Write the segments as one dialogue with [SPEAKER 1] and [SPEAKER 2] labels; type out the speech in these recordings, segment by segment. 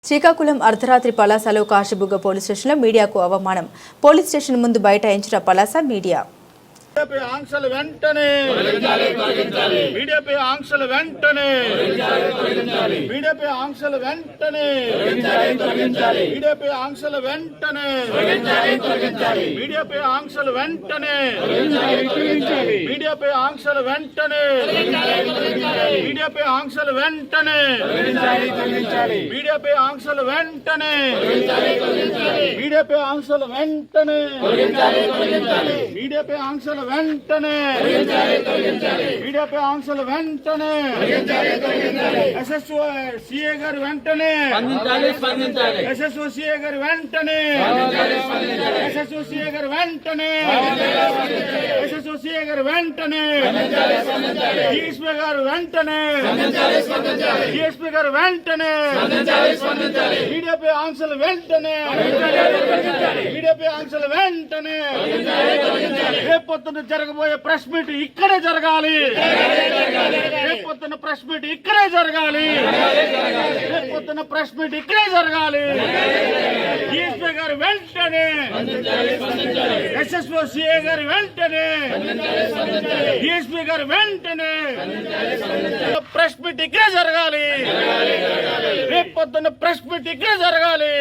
[SPEAKER 1] శ్రీకాకుళం అర్ధరాత్రి పలాసలో కాశీబుగ్గ పోలీస్ స్టేషన్లో మీడియాకు అవమానం. పోలీస్ స్టేషన్ ముందు బైఠాయించిన పలాస మీడియా.
[SPEAKER 2] ఆంక్షలు వెంటనే మీడియాపై ఆంక్షలు వెంటనే మీడియాపై ఆంక్షలు వెంటనే మీడియాపై ఆంక్షలు వెంటనే మీడియాపై ఆంక్షలు వెంటనే మీడియాపై ఆంక్షలు వెంటనే మీడియాపై ఆంక్షలు వెంటనే మీడియాపై ఆంక్షలు వెంటనే మీడియాపై ఆంక్షలు వెంటనే మీడియాపై ఆంక్షలు వెంటనే మీడియాపై ఆంక్షలు వెంటనే ఎస్ఎస్ఓ సిఏ గారు వెంటనే ఎస్ఎస్ఓ సిఏ గారు వెంటనే ఎస్ఎస్ఓ సిఏ గారు వెంటనే ఎస్ఎస్ఓ సిఏ గారు వెంటనే డిఎస్పీ గారు వెంటనే డిఎస్పీ గారు వెంటనే మీడియాపై ఆంక్షలు వెంటనే మీడియాపై ఆంక్షలు వెంటనే రేపొద్దున జరగబోయే ప్రెస్ మీట్ ఇక్కడే జరగాలి. రేపొద్దున ప్రెస్ మీట్ ఇక్కడే జరగాలి. రేపొద్దున ప్రెస్ మీట్ ఇక్కడే జరగాలి. డిఎస్పీ గారు వెంటనే ఎస్ఎస్ఓ సిఏ గారు వెంటనే డిఎస్పీ గారు వెంటనే ప్రెస్ మీట్ ఇక్కడే జరగాలి. రేపొద్దున ప్రెస్ మీట్ ఇక్కడే జరగాలి.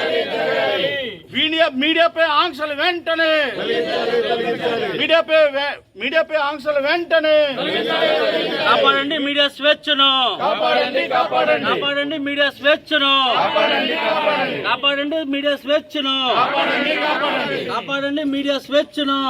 [SPEAKER 2] మీడియాపై ఆంక్షలు వెంటనే మీడియాపై ఆంక్షలు వెంటనే
[SPEAKER 3] కాపాడండి మీడియా స్వేచ్ఛను కాపాడండి మీడియా స్వేచ్ఛను కాపాడండి మీడియా స్వేచ్ఛను కాపాడండి మీడియా స్వేచ్ఛను.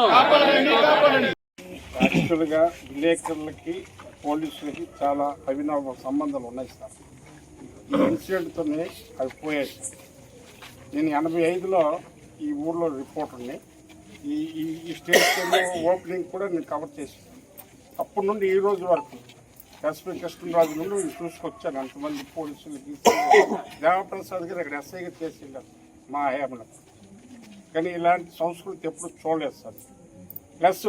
[SPEAKER 4] యాక్చువల్గా విలేకరులకి పోలీసులకి చాలా అవినావ సంబంధాలు ఉన్నాయి సార్. ఈ ఇన్సిడెంట్తోనే అవి పోయాయి. నేను 85లో ఈ ఊర్లో రిపోర్టర్ని. ఈ స్టేట్ ఓపెనింగ్ కూడా నేను కవర్ చేశాను. అప్పటి నుండి ఈ రోజు వరకు ఎస్పీ కృష్ణరాజు నుండి నేను చూసుకొచ్చాను. అంతమంది పోలీసులకి దేవప్రసాద్ గారు ఇక్కడ ఎస్ఐగా చేసిండారు మా హయాంలో. కానీ ఇలాంటి సంస్కృతి ఎప్పుడు చూడలేదు సార్. ప్లస్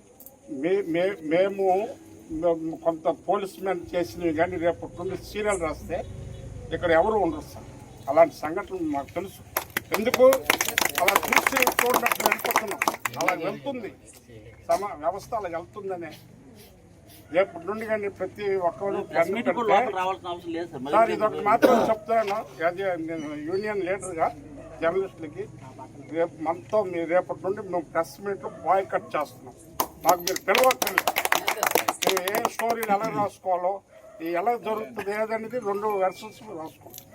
[SPEAKER 4] మేము కొంత పోలీస్ మ్యాన్ చేసినవి కానీ రేపటి నుండి సీరియల్ రాస్తే ఇక్కడ ఎవరు ఉండరు సార్. అలాంటి సంఘటనలు మాకు తెలుసు. ఎందుకు అలా చూసి చూడనట్టు వెళ్ళిపోతున్నాం. అలా వెళ్తుంది వ్యవస్థ, అలా వెళ్తుందనే రేపటి నుండి కానీ ప్రతి ఒక్కరు సార్ ఇదొకటి మాత్రం చెప్తాను. నేను యూనియన్ లీడర్గా జర్నలిస్టులకి రేపు మనతో రేపటి నుండి మేము ప్రెస్ మీట్లో బాయ్కట్ చేస్తున్నాం. మాకు మీరు పిలవక్కర్లేదు. మేము ఏ స్టోరీలు ఎలా రాసుకోవాలో ఎలా జరుగుతుంది ఏదనేది 2 వెర్షన్స్ రాసుకోండి.